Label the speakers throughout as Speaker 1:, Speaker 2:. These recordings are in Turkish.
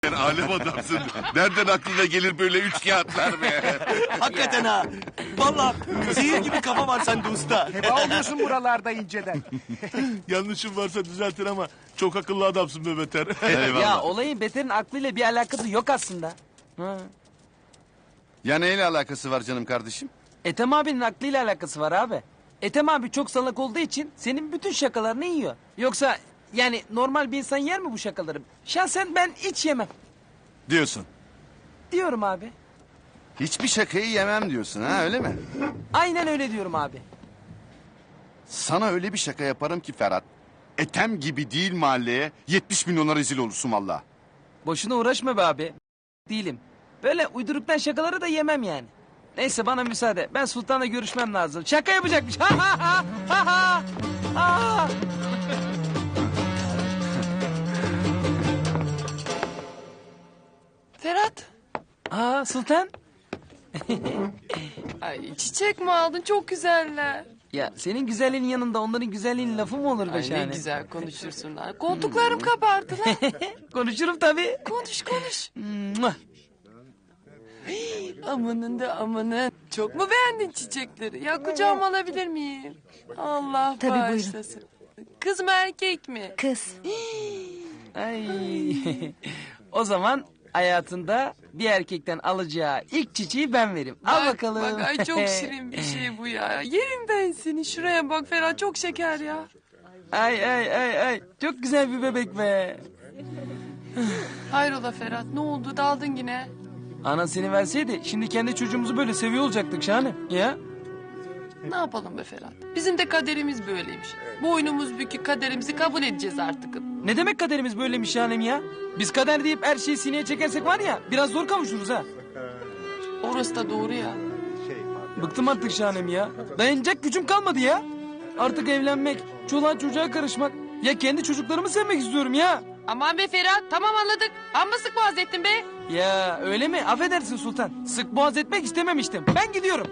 Speaker 1: Sen alem adamsın. Nereden aklına gelir böyle üç kağıtlar be?
Speaker 2: Hakikaten ha. Vallahi zehir gibi kafa var sende usta.
Speaker 3: Heba oluyorsun buralarda inceden.
Speaker 2: Yanlışım varsa düzeltin ama çok akıllı adamsın be Beter.
Speaker 1: Eyvallah.
Speaker 4: Ya olayın Beter'in aklıyla bir alakası yok aslında. Ha.
Speaker 1: Ya neyle alakası var canım kardeşim?
Speaker 4: Ethem abinin aklıyla alakası var abi. Ethem abi çok salak olduğu için senin bütün şakalarını yiyor. Yoksa yani normal bir insan yer mi bu şakaları? Şahsen ben hiç yemem.
Speaker 1: Diyorsun.
Speaker 4: Diyorum abi.
Speaker 1: Hiçbir şakayı yemem diyorsun ha, öyle mi?
Speaker 4: Aynen öyle diyorum abi.
Speaker 1: Sana öyle bir şaka yaparım ki Ferhat. Ethem gibi değil mahalleye 70 milyona rezil olursun valla.
Speaker 4: Boşuna uğraşma be abi. Değilim. Böyle uyduruktan şakaları da yemem yani. Neyse bana müsaade. Ben Sultan'la görüşmem lazım. Şaka yapacakmış. Ha ha ha ha ha. Ha.
Speaker 5: Ferhat.
Speaker 4: Aa Sultan.
Speaker 5: Ay çiçek mi aldın? Çok güzeller.
Speaker 4: Ya senin güzelliğinin yanında onların güzelliğinin lafı mı olur be
Speaker 5: Ay ne
Speaker 4: şahane?
Speaker 5: güzel konuşursun lan. Koltuklarım kabardı lan.
Speaker 4: Konuşurum tabii.
Speaker 5: Konuş konuş.
Speaker 4: Mua.
Speaker 5: Amanın da amanın. Çok mu beğendin çiçekleri? Ya kucağıma alabilir miyim? Allah
Speaker 6: Tabii, buyurun.
Speaker 5: bağışlasın. Kız mı erkek mi?
Speaker 6: Kız.
Speaker 4: Ay. O zaman hayatında bir erkekten alacağı ilk çiçeği ben vereyim. Al
Speaker 5: Bak,
Speaker 4: bakalım.
Speaker 5: Bak ay çok şirin bir şey bu ya. Yerim ben seni. Şuraya bak Ferhat çok şeker ya.
Speaker 4: Ay ay ay ay. Çok güzel bir bebek be.
Speaker 5: Hayrola Ferhat ne oldu daldın yine?
Speaker 4: Anan seni verseydi şimdi kendi çocuğumuzu böyle seviyor olacaktık şahane. Ya.
Speaker 5: Ne yapalım be Ferhat? Bizim de kaderimiz böyleymiş. Boynumuz bükük kaderimizi kabul edeceğiz artık.
Speaker 4: Ne demek kaderimiz böylemiş şahanem ya? Biz kader deyip her şeyi sineye çekersek var ya biraz zor kavuşuruz ha.
Speaker 5: Orası da doğru ya.
Speaker 4: Bıktım artık şahanem ya. Dayanacak gücüm kalmadı ya. Artık evlenmek, çoluğa çocuğa karışmak. Ya kendi çocuklarımı sevmek istiyorum ya.
Speaker 5: Aman be Ferhat tamam anladık. Amma sık boğaz ettin be.
Speaker 4: Ya öyle mi? Affedersin Sultan. Sık boğaz etmek istememiştim. Ben gidiyorum.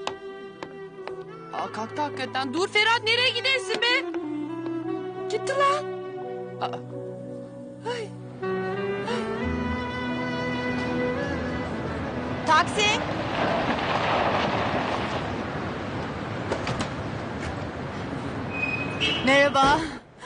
Speaker 5: Aa kalktı hakikaten. Dur Ferhat nereye gidersin be? Gitti lan. Aa. Ay.
Speaker 6: Taksi. Merhaba.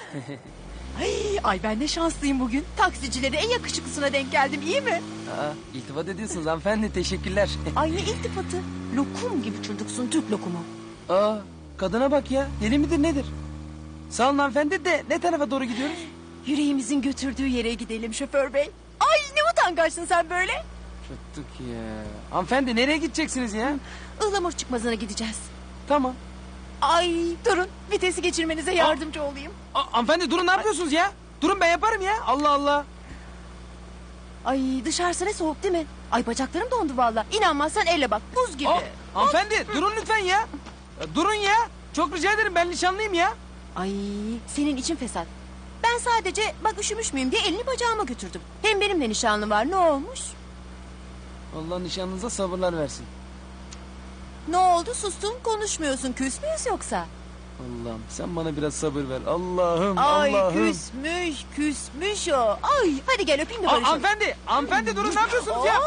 Speaker 6: Ay ben ne şanslıyım bugün. Taksicilere en yakışıklısına denk geldim, iyi mi?
Speaker 4: Aa, iltifat ediyorsunuz hanımefendi. Teşekkürler.
Speaker 6: Ay ne iltifatı. Lokum gibi çocuksun, Türk lokumu.
Speaker 4: Aa, kadına bak ya. Deli midir nedir? Sağ olun hanımefendi de ne tarafa doğru gidiyoruz?
Speaker 6: Yüreğimizin götürdüğü yere gidelim şoför bey. Ay ne utangaçsın sen böyle.
Speaker 4: Tuttuk ya. Hanımefendi nereye gideceksiniz ya?
Speaker 6: Ihlamur çıkmazına gideceğiz.
Speaker 4: Tamam.
Speaker 6: Ay durun, vitesi geçirmenize yardımcı olayım.
Speaker 4: Hanımefendi durun ne yapıyorsunuz ya? Durun ben yaparım ya. Allah Allah.
Speaker 6: Ay dışarısı ne soğuk değil mi? Ay bacaklarım dondu valla. İnanmazsan elle bak, buz gibi.
Speaker 4: Hanımefendi durun lütfen ya. Durun ya. Çok rica ederim ben nişanlıyım ya.
Speaker 6: Ay senin için fesat. Ben sadece bak üşümüş müyüm diye elini bacağıma götürdüm. Hem benimle nişanlım var, ne olmuş?
Speaker 4: Allah nişanınıza sabırlar versin.
Speaker 6: Ne oldu, sustun, konuşmuyorsun, küs müyüz yoksa?
Speaker 4: Allah'ım sen bana biraz sabır ver. Allah'ım
Speaker 6: Ay
Speaker 4: Allah'ım.
Speaker 6: küsmüş o. Ay hadi gel öpeyim de barışalım.
Speaker 4: Hanımefendi durun ne yapıyorsunuz ya?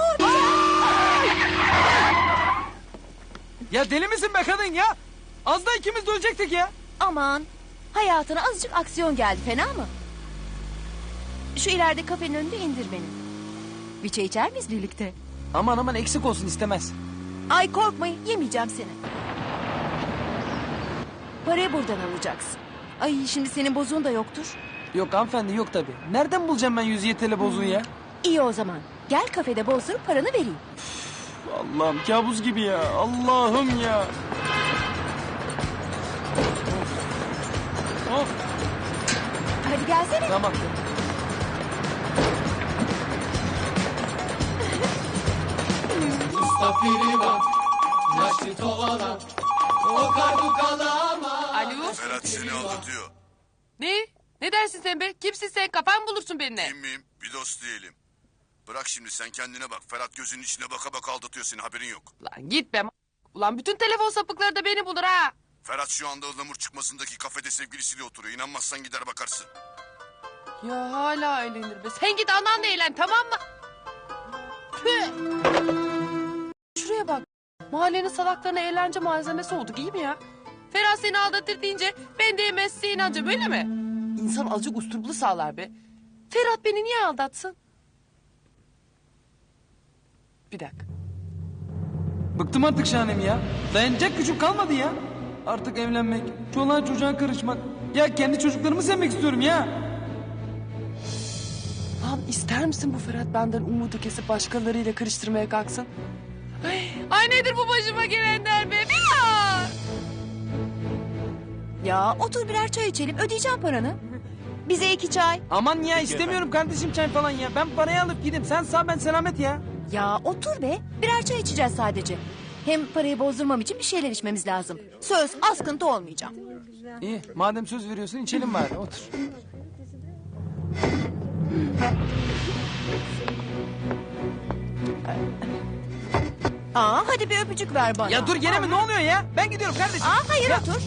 Speaker 4: Ya deli misin be kadın ya? Az da ikimiz de ölecektik ya.
Speaker 6: Aman hayatına azıcık aksiyon geldi, fena mı? Şu ileride kafenin önünde indir beni. Bir çay içer miyiz birlikte?
Speaker 4: Aman aman eksik olsun istemez.
Speaker 6: Ay korkmayın, yemeyeceğim seni. Parayı buradan alacaksın. Ay şimdi senin bozuğun da yoktur.
Speaker 4: Yok hanımefendi yok tabii. Nereden bulacağım ben 107 TL bozuğu ya?
Speaker 6: İyi o zaman. Gel kafede bozdurup paranı vereyim.
Speaker 4: Allah'ım kabus gibi ya. Allah'ım ya. Of.
Speaker 6: Hadi gelsene.
Speaker 4: Tamam.
Speaker 5: Alo.
Speaker 1: Ferhat seni aldatıyor.
Speaker 5: Ne? Ne dersin sen be? Kimsin sen? Kafan bulursun benimle.
Speaker 1: Kim miyim? Bir dost diyelim. Bırak şimdi sen kendine bak. Ferhat gözünün içine baka baka aldatıyor seni, haberin yok.
Speaker 5: Lan git be. Ulan bütün telefon sapıkları da beni bulur ha.
Speaker 1: Ferhat şu anda ıhlamur çıkmasındaki kafede sevgilisiyle oturuyor. İnanmazsan gider bakarsın.
Speaker 5: Ya hala eğlenir be. Sen git ananla eğlen tamam mı? Tüh. Şuraya bak. Mahallenin salaklarına eğlence malzemesi olduk iyi mi ya? Ferhat seni aldatır deyince ben de yemezse inanca böyle mi? İnsan azıcık usturuplu sağlar be. Ferhat beni niye aldatsın? Bir dakika.
Speaker 4: Bıktım artık Şahanem ya. Dayanacak gücüm kalmadı ya. Artık evlenmek, çoluğa çocuğa karışmak. Ya kendi çocuklarımı sevmek istiyorum ya.
Speaker 5: Lan ister misin bu Ferhat benden umudu kesip başkalarıyla karıştırmaya kalksın? Ay nedir bu başıma gelenler be? Bilal!
Speaker 6: Ya otur birer çay içelim ödeyeceğim paranı. Bize 2 çay.
Speaker 4: Aman ya istemiyorum kardeşim çay falan ya. Ben parayı alıp gideyim. Sen sağ ben selamet ya.
Speaker 6: Ya otur be birer çay içeceğiz sadece. Hem parayı bozdurmam için bir şeyler içmemiz lazım. Söz askıntı olmayacağım.
Speaker 4: İyi madem söz veriyorsun içelim bari otur.
Speaker 6: Hadi bir öpücük ver bana.
Speaker 4: Ya dur gene mi ne oluyor ya? Ben gidiyorum kardeşim.
Speaker 6: Hayır otur.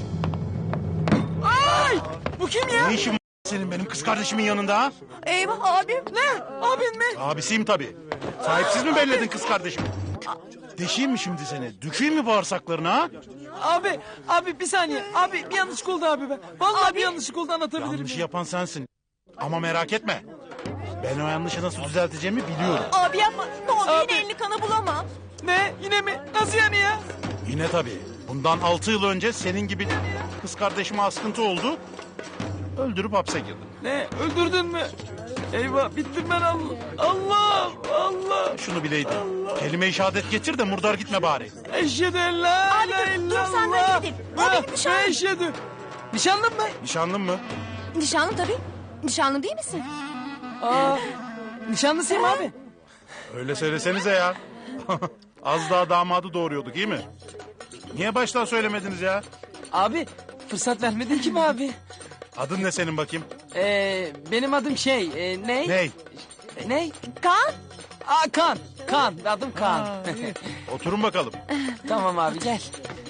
Speaker 4: Ay bu kim ya?
Speaker 7: Ne işin var senin benim kız kardeşimin yanında ha?
Speaker 6: Eyvah abim.
Speaker 4: Ne? Abin mi?
Speaker 7: Abisiyim tabii. Sahipsiz mi belledin kız kardeşimi? Deşeyim mi şimdi seni? Dökeyim mi bağırsaklarına ha?
Speaker 4: Abi bir saniye. Abi bir yanlışlık oldu abi be. Vallahi bir yanlışlık oldu anlatabilirim.
Speaker 7: Yanlışı yapan sensin. Ama merak etme. Ben o yanlışı nasıl düzelteceğimi biliyorum.
Speaker 6: Abi yapma. Ne olur
Speaker 4: Abi.
Speaker 6: yine elini kana bulamam.
Speaker 4: Ne? Yine mi? Nasıl yani ya?
Speaker 7: Yine tabii. Bundan 6 yıl önce senin gibi kız kardeşime askıntı oldu. Öldürüp hapse girdim.
Speaker 4: Ne? Öldürdün mü? Eyvah bittim ben Allah. Allah.
Speaker 7: Şunu bileydin. Kelime-i şehadet getir de murdar gitme bari.
Speaker 4: Eşhedü en la
Speaker 6: Abi
Speaker 4: ilahe
Speaker 6: dur, sen de
Speaker 4: illallah.
Speaker 6: gidin. O benim nişanlım.
Speaker 4: Eşhedü. Nişanlın mı?
Speaker 7: Nişanlın mı?
Speaker 6: Nişanlım tabii. Nişanlım değil misin?
Speaker 4: Nişanlısıyım abi.
Speaker 7: Öyle söylesenize ya. Az daha damadı doğuruyorduk iyi mi? Niye baştan söylemediniz ya?
Speaker 4: Abi fırsat vermedin ki mi abi?
Speaker 7: Adın ne senin bakayım?
Speaker 4: Benim adım ne?
Speaker 7: Ney?
Speaker 4: Ne?
Speaker 6: Kaan.
Speaker 4: Kan. Kan. Adım Kan.
Speaker 7: Oturun bakalım.
Speaker 4: Tamam abi gel.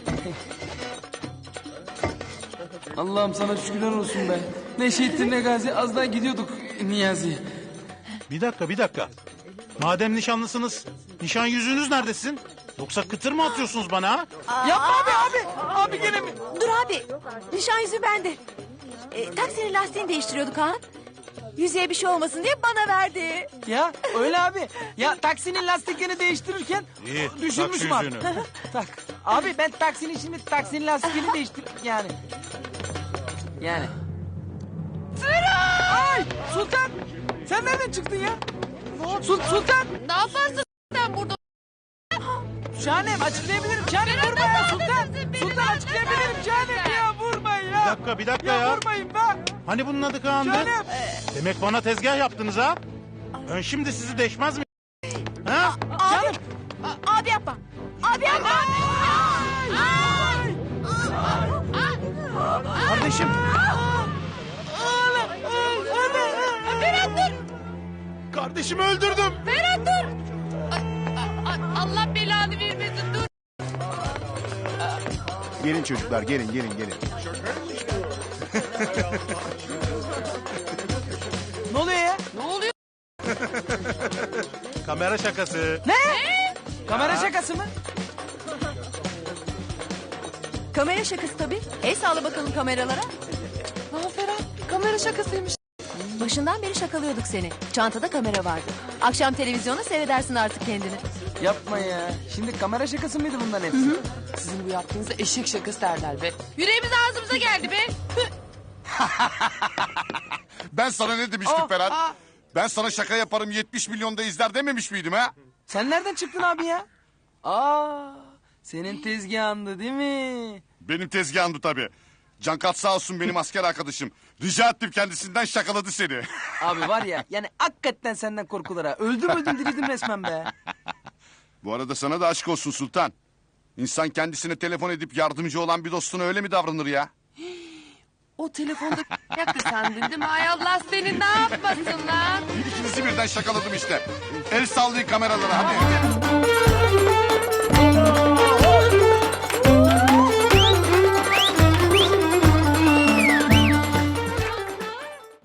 Speaker 4: Allah'ım sana şükürler olsun be. Ne şehittin ne gazi az daha gidiyorduk Niyazi.
Speaker 7: Bir dakika. Madem nişanlısınız, nişan yüzüğünüz nerede sizin? Yoksa kıtır mı atıyorsunuz bana ha?
Speaker 4: Yapma abi. Abi gene mi?
Speaker 6: Dur abi. Nişan yüzüğü bende. Taksinin lastiğini değiştiriyorduk Kaan. Yüzüğe bir şey olmasın diye bana verdi.
Speaker 4: Ya öyle abi. Ya taksinin lastiklerini değiştirirken
Speaker 7: İyi, tak
Speaker 4: düşürmüşüm
Speaker 7: şu
Speaker 4: abi.
Speaker 7: yüzüğünü.
Speaker 4: Tak. Abi ben taksinin lastiklerini değiştir yani. Yani. Ay Sultan. Sen nereden çıktın ya? Sultan.
Speaker 5: Ne yaparsın sen burada?
Speaker 4: Şahanem açıklayabilirim. Şahanem vurma ya Sultan. Sultan açıklayabilirim Şahanem ya vurmayın ya.
Speaker 7: Bir dakika ya.
Speaker 4: Vurmayın be.
Speaker 7: Hani bunun adı Kaan'dı?
Speaker 4: Şahanem.
Speaker 7: Demek bana tezgah yaptınız ha? Ben şimdi sizi deşmez mi? Ha?
Speaker 6: Abi. Abi yapma. Abi yapma.
Speaker 7: Kardeşim.
Speaker 5: Ferhat dur!
Speaker 7: Kardeşimi öldürdüm.
Speaker 5: Ferhat dur! Allah belanı vermesin dur!
Speaker 1: Gelin çocuklar gelin.
Speaker 4: Ne oluyor ya?
Speaker 5: Ne oluyor?
Speaker 7: Kamera şakası.
Speaker 4: Kamera şakası mı?
Speaker 6: Kamera şakası tabii. El sağla bakalım kameralara.
Speaker 5: Lan Ferhat kamera şakasıymış.
Speaker 6: Başından beri şakalıyorduk seni. Çantada kamera vardı. Akşam televizyonda seyredersin artık kendini.
Speaker 4: Yapma ya. Şimdi kamera şakası mıydı bundan hepsi?
Speaker 5: Sizin bu yaptığınıza eşek şakası derler be. Yüreğimiz ağzımıza geldi be.
Speaker 1: Ben sana ne demiştim Ferhat? Ben sana şaka yaparım 70 milyonda izler dememiş miydim ha?
Speaker 4: Sen nereden çıktın abi ya? Senin tezgahındı değil mi?
Speaker 1: Benim tezgahımdı tabii. Cankat sağ olsun benim asker arkadaşım. Rica ettim kendisinden şakaladı seni.
Speaker 4: Abi var ya yani hakikaten senden korkulur ha. Öldüm dirildim resmen be.
Speaker 1: Bu arada sana da aşk olsun Sultan. İnsan kendisine telefon edip yardımcı olan bir dostuna öyle mi davranır ya?
Speaker 5: O telefonda yaktı sandın değil mi? Ay Allah seni ne yapmasın lan?
Speaker 1: İkinizi birden şakaladım işte. El sallayın kameralara hadi.